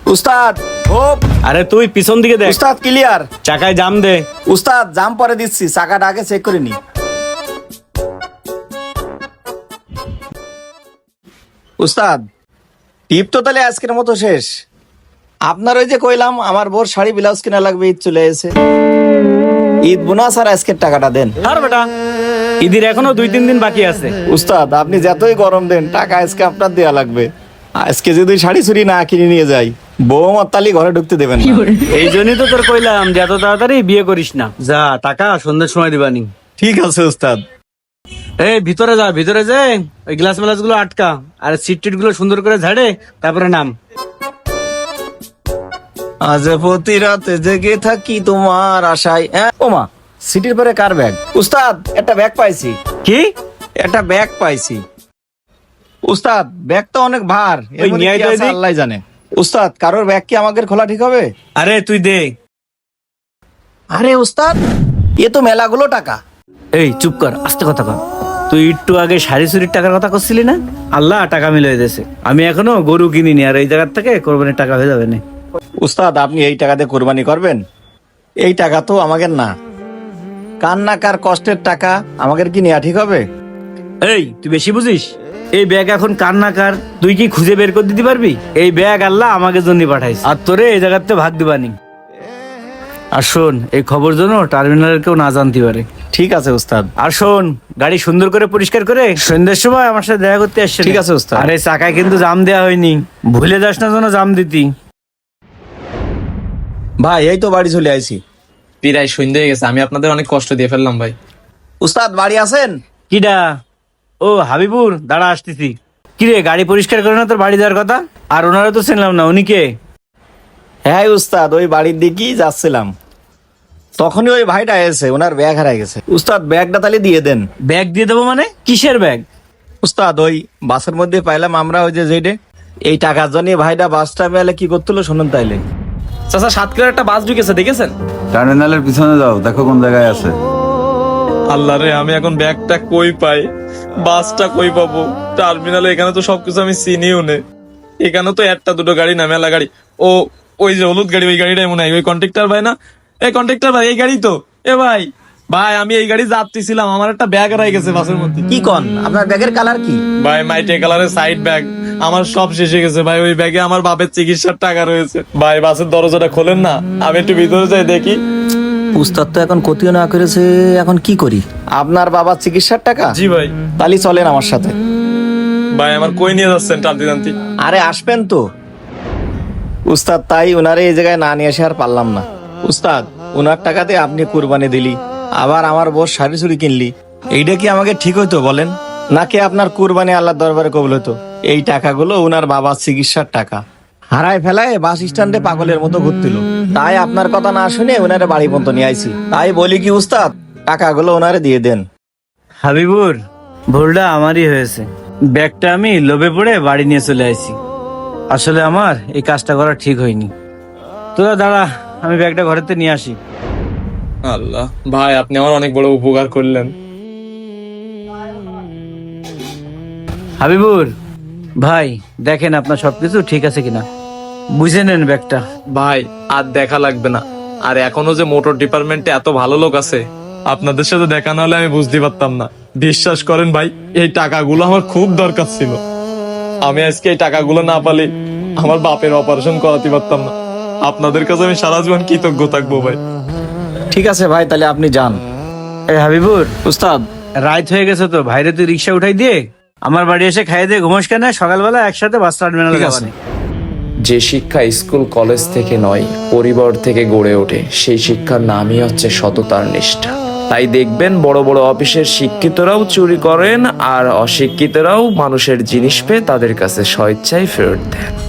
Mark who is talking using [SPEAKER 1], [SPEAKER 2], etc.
[SPEAKER 1] উস্তাদ হোপ।
[SPEAKER 2] আরে তুই পিছন দিকে দেখ,
[SPEAKER 1] উস্তাদ ক্লিয়ার।
[SPEAKER 2] চাকায় জাম দে।
[SPEAKER 1] উস্তাদ জাম পরে দিচ্ছি, চাকাটা আগে চেক করে নি। উস্তাদ টিপ তো তাহলে আজকের মতো শেষ। আপনার ওই যে কইলাম আমার বোর শাড়ি ব্লাউজ কিনা লাগবে, ঈদ চলে এসে, ঈদ বোনাস আর আজকের টাকাটা দেন।
[SPEAKER 2] আর বেটা ঈদের এখনো 2-3 দিন বাকি আছে।
[SPEAKER 1] উস্তাদ আপনি যতই গরম দেন, টাকা আজকে আপনার দেয়া লাগবে। আজকে যদি শাড়ি চুরি না কিনে নিয়ে যাই, বউ আমার তালি ঘরে ঢুকতে দেবেন না।
[SPEAKER 2] এই জন্যই তো তোর কইলাম যে এত তাড়াতাড়ি বিয়ে করিস না। যা, টাকা সন্ধ্যের সময় দিবানি।
[SPEAKER 1] ঠিক আছে উস্তাদ।
[SPEAKER 2] এই ভিতরে যা, ভিতরে যে ওই গ্লাস মেলাস গুলো আটকা, আর সিট টিট গুলো সুন্দর করে ঝাড়ে, তারপরে নাম।
[SPEAKER 1] আজ প্রতি রাতে জেগে থাকি তোমার আশায়। ওমা, সিটির পরে কার ব্যাগ? উস্তাদ একটা ব্যাগ পাইছি।
[SPEAKER 2] কি?
[SPEAKER 1] একটা ব্যাগ পাইছি। উস্তাদ ব্যাগ তো অনেক ভার, এর
[SPEAKER 2] ওই
[SPEAKER 1] মধ্যে
[SPEAKER 2] নিয়ে
[SPEAKER 1] কি
[SPEAKER 2] আয় তো
[SPEAKER 1] আছে
[SPEAKER 2] এদিক।
[SPEAKER 1] আল্লাহই জানে। উস্তাদ কারোর ব্যাগ কি আমাদের খোলা ঠিক হবে?
[SPEAKER 2] আরে তুই দে।
[SPEAKER 1] আরে উস্তাদ এ তো মেলাগুলো টাকা।
[SPEAKER 2] এই চুপ কর, আস্তে কথা কর। তুই একটু আগে শাড়ি চুরির টাকার কথা করছিলি না? আল্লাহ টাকা মিলিয়ে দিয়েছে। আমি এখনো গরু কিনিনি, আর এই জায়গার থেকে কোরবানির টাকা হয়ে যাবে না।
[SPEAKER 1] উস্তাদ আপনি এই টাকা দিয়ে কোরবানি করবেন? এই টাকা তো আমাদের না, কার না কার কষ্টের টাকা, আমাদের কি নেওয়া ঠিক হবে?
[SPEAKER 2] এই তুই বেশি বুঝিস। এই ব্যাগ এখন কার না কার তুই কি খুঁজে বের করে দিতে পারবি? এই ব্যাগ আল্লাহ আমাকে জন্য পাঠাইছে, আর তোরে এই জায়গাতে ভাগ দিবানি। আর শোন, এই খবর যেন টার্মিনালের কেউ না জানতে পারে।
[SPEAKER 1] ঠিক আছে উস্তাদ।
[SPEAKER 2] আর শোন, গাড়ি সুন্দর করে পরিষ্কার করে সন্ধ্যের সময় আমার সাথে দেখা করতে আসছে।
[SPEAKER 1] ঠিক আছে উস্তাদ।
[SPEAKER 2] আরে চাকায় কিন্তু জাম দেওয়া হয়নি, ভুলে যাস না যেন জাম দিতি।
[SPEAKER 1] ভাই এই তো বাড়ি চলে আইছি।
[SPEAKER 3] প্রায় সন্ধ্যে হয়ে গেছে, আমি আপনাদের অনেক কষ্ট দিয়ে ফেললাম ভাই।
[SPEAKER 1] উস্তাদ বাড়ি আছেন?
[SPEAKER 2] কিডা? ও হাবিবুর, দাঁড়া আসতেছি। কিরে, গাড়ি পরিষ্কার করে না তোর বাড়ি যাওয়ার কথা? আর ওনারা তো চিনলাম না, উনি কে?
[SPEAKER 1] হ্যাঁ উস্তাদ, ওই বাড়ির দিকেই যাচ্ছিলাম, তখনই ওই ভাইটা এসে, ওনার ব্যাগ হারাই গেছে। উস্তাদ ব্যাগটা তাহলে দিয়ে দেন।
[SPEAKER 2] ব্যাগ দিয়ে দেবো মানে? কিসের ব্যাগ?
[SPEAKER 1] উস্তাদ ওই বাসের মধ্যে পাইলাম আমরা, ওই যে যেটে এই টাকার জন্য ভাইটা বাসটা পেলে কি করতেলো শুনুন তাইলে।
[SPEAKER 3] চাচা, সাতক্ষীরার একটা বাস ঢুকেছে, দেখেছেন?
[SPEAKER 4] টার্মিনালের পিছনে যাও, দেখো কোন জায়গায় আছে।
[SPEAKER 3] আল্লাহ রে, আমি এখন ব্যাগটা কই পাই, বাসটা কই পাবো? টার্মিনালে এখানে তো সবকিছু আমি চিনিও নে। এখানে তো একটা দুটো গাড়ি না, মেলা গাড়ি। ও ওই যে হলুদ গাড়ি, ওই গাড়িটাই মনে হয় ওই কন্ট্রাক্টর ভাই না? এই কন্ট্রাক্টর ভাই, এই গাড়ি তো। এ ভাই, ভাই আমি এই গাড়ি যাত্রী ছিলাম, আমার একটা ব্যাগ হারাই গেছে বাসের মধ্যে।
[SPEAKER 1] কি কন, আপনার ব্যাগের কালার কি?
[SPEAKER 3] ভাই মাইটে কালারের সাইড ব্যাগ, আমার সব শেষে গেছে ভাই। ওই ব্যাগে আমার বাপের চিকিৎসার টাকা রয়েছে ভাই। বাসের দরজাটা খোলেন না, আমি একটু ভিতরে যাই দেখি।
[SPEAKER 1] উস্তাদ তো এখন ক্ষতিও না করেছে, এখন কি করি? আপনার বাবার চিকিৎসার টাকা?
[SPEAKER 3] জি ভাই।
[SPEAKER 1] তাহলে চলেন আমার সাথে।
[SPEAKER 3] ভাই আমার কই নিয়ে যাচ্ছেন টানতে টানতে?
[SPEAKER 1] আরে আসবেন তো উস্তাদ, তাই ওনারে এই জায়গায় না নিয়ে এসে আর পারলাম না। উস্তাদ ওনার টাকাতে আপনি কুরবানি দিলি, আবার আমার বউ শাড়ি চুরি কিনলি, এইটা কি আমাকে ঠিক হইতো বলেন? নাকি আপনার কুরবানি আল্লাহর দরবারে কবুল হতো? এই টাকাগুলো ওনার বাবার চিকিৎসার টাকা, হারায় ফেলায় বাস স্ট্যান্ডে পাগলের মতো ঘুরছিল। তাই আপনার কথা না শুনে ওনারে বাড়ি পর্যন্ত নিয়ে আইছি। তাই বলি কি উস্তাদ, টাকাগুলো ওনারে দিয়ে দেন।
[SPEAKER 2] হাবিবুর, ভুলটা আমারই হয়েছে। ব্যাগটা আমি লোভে পড়ে বাড়ি নিয়ে চলে আসি। আসলে আমার এই কাজটা করা ঠিক হয়নি। তোরা দাঁড়া, আমি ব্যাগটা ঘরেতে নিয়ে আসি।
[SPEAKER 3] আল্লাহ ভাই, আপনি আমার অনেক বড় উপকার করলেন।
[SPEAKER 2] হাবিবুর ভাই, দেখেন আপনার সবকিছু ঠিক আছে কিনা, বুঝে নেন ব্যাগটা।
[SPEAKER 3] ভাই আর দেখা লাগবে না। আর এখনো যে মোটর ডিপার্টমেন্টে এত ভালো লোক আছে, আপনাদের সাথে দেখা না হলে আমি বুঝতে পারতাম না। বিশ্বাস করেন ভাই, এই টাকাগুলো আমার খুব দরকার ছিল। আমি আজকে এই টাকাগুলো না পালে আমার বাপের অপারেশন করাতে পারতাম না। আপনাদের কাছে আমি সারা জীবন কৃতজ্ঞ থাকবো ভাই।
[SPEAKER 1] ঠিক আছে ভাই, তাহলে আপনি যান।
[SPEAKER 2] এই হাবিবুর,
[SPEAKER 1] উস্তাদ
[SPEAKER 2] রাত হয়ে গেছে তো, ভাইরে তুই রিক্সা উঠাই দিয়ে আমার বাড়ি এসে খাইয়ে দিয়ে ঘুমোস কেন? সকালবেলা একসাথে বাস টার্মিনালে
[SPEAKER 1] ঠিক আছে।
[SPEAKER 2] যাবানি।
[SPEAKER 5] যে শিক্ষা স্কুল কলেজ থেকে নয়, পরিবার থেকে গড়ে ওঠে, সেই শিক্ষার নামই হচ্ছে সততার নিষ্ঠা। তাই দেখবেন বড় বড় অফিসের শিক্ষিতরাও চুরি করেন, আর অশিক্ষিতরাও মানুষের জিনিস পেয়ে তাদের কাছে স্বেচ্ছায় ফেরত দেন।